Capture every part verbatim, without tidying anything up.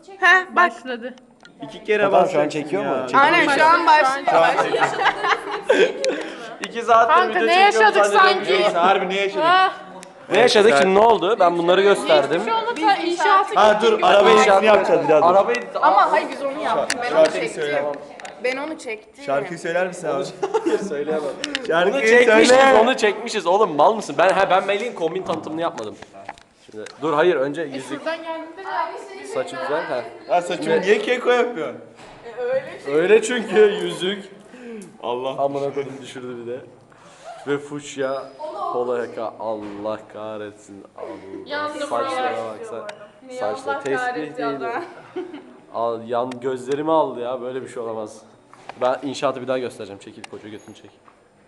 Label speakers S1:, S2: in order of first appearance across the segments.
S1: Heh bak.
S2: Başladı.
S3: İki kere
S4: Tamam,
S3: bas.
S4: şu an çekiyor mu?
S1: Aynen şu an başlıyor.
S3: İki saattir
S2: Kanka,
S3: video
S2: ne
S3: çekiyorum
S2: yaşadık
S3: zannediyorum.
S2: sanki?
S3: Neyse, harbi ne yaşadık?
S2: Ah,
S4: Ne yaşadık şimdi, ne oldu? Ben bunları gösterdim.
S2: şu anda ta inşaatı
S3: Ha dur araba editini yapacağız biraz.
S4: Araba
S1: Ama hayır biz onu yaptık. Ben onu
S3: Şarkıyı
S1: çektim.
S3: söyle.
S1: Ben onu çektim.
S3: Şarkıyı söyler misin abi?
S4: söyleyemem. Bunu
S3: Şarkıyı
S4: çekmişiz,
S3: söyle.
S4: onu çekmişiz. Oğlum mal mısın? Ben ha ben Melih'in kombin tanıtımını yapmadım. Şimdi dur hayır önce yüzük
S2: Şuradan geldiğinde de
S4: saçı güzel ha.
S3: Ha saçımı niye keko yapıyorsun?
S4: Öyle çünkü yüzük.
S3: Allah.
S4: Amına koydum düşürdü bir de. Ve fuşya polo yaka, Allah kahretsin. Allah.
S2: Yandım
S4: Saçlara
S2: ya.
S4: bak sen. Saçlar tesbih değil. Al, yan gözlerimi aldı ya, böyle bir şey olamaz. Ben inşaatı bir daha göstereceğim. Çekil koca götünü çek.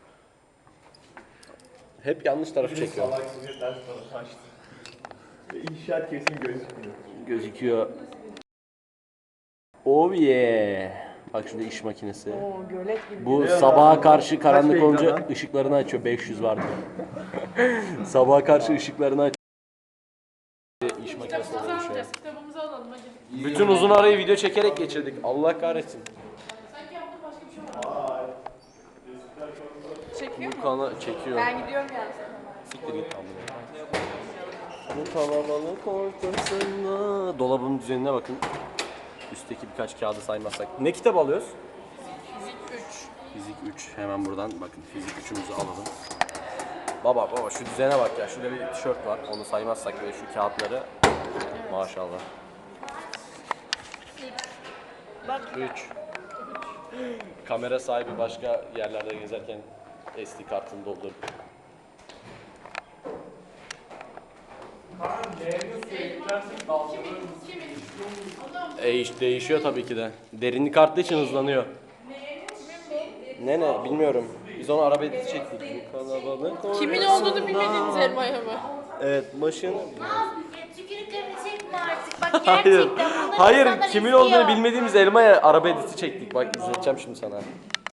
S4: Hep yanlış tarafı çekiyorum.
S3: İnşaat kesin gözükmüyor.
S4: Gözüküyor. Oh yeah. Bak şurada iş makinesi. Bu sabaha karşı karanlık
S3: beygir
S4: olunca
S3: lan?
S4: ışıklarını açıyor. beş yüz vardı. Sabaha karşı ışıklarını açıyor. İş makinesi
S2: kitabımızı
S4: oluyor şu an.
S2: alacağız. Kitabımızı alalım hadi.
S4: Bütün uzun arayı video çekerek geçirdik. Allah kahretsin.
S2: Sanki yaptığın başka bir şey var.
S1: Çekiyor
S4: Bu
S1: mu?
S4: kanı çekiyor.
S1: Ben gidiyorum yani.
S4: Siktir git amına. Bu kalabalık ortasında. Dolabın düzenine bakın. Üstteki birkaç kağıdı saymazsak. Ne kitap alıyoruz?
S1: Fizik üç.
S4: Fizik üç. Hemen buradan bakın fizik üçümüzü alalım. Baba baba şu düzene bak ya. Şurada bir tişört var. Onu saymazsak böyle şu kağıtları. Maşallah. üç. Kamera sahibi başka yerlerde gezerken S D kartını doldurup. E, değişiyor tabii ki de. Derinlik arttığı için hızlanıyor. Ne ne bilmiyorum. Biz onu araba editi çektik. Bu kalabalık
S2: Kimin olduğunu bilmediğiniz elmaya mı?
S4: Evet başını.
S5: Tükürüklerini çekme artık. Bak
S4: Hayır.
S5: gerçekten bunları
S4: Hayır
S5: insanlar
S4: kimin
S5: izliyor.
S4: olduğunu bilmediğimiz elmaya araba editi çektik. Bak izleteceğim şimdi sana.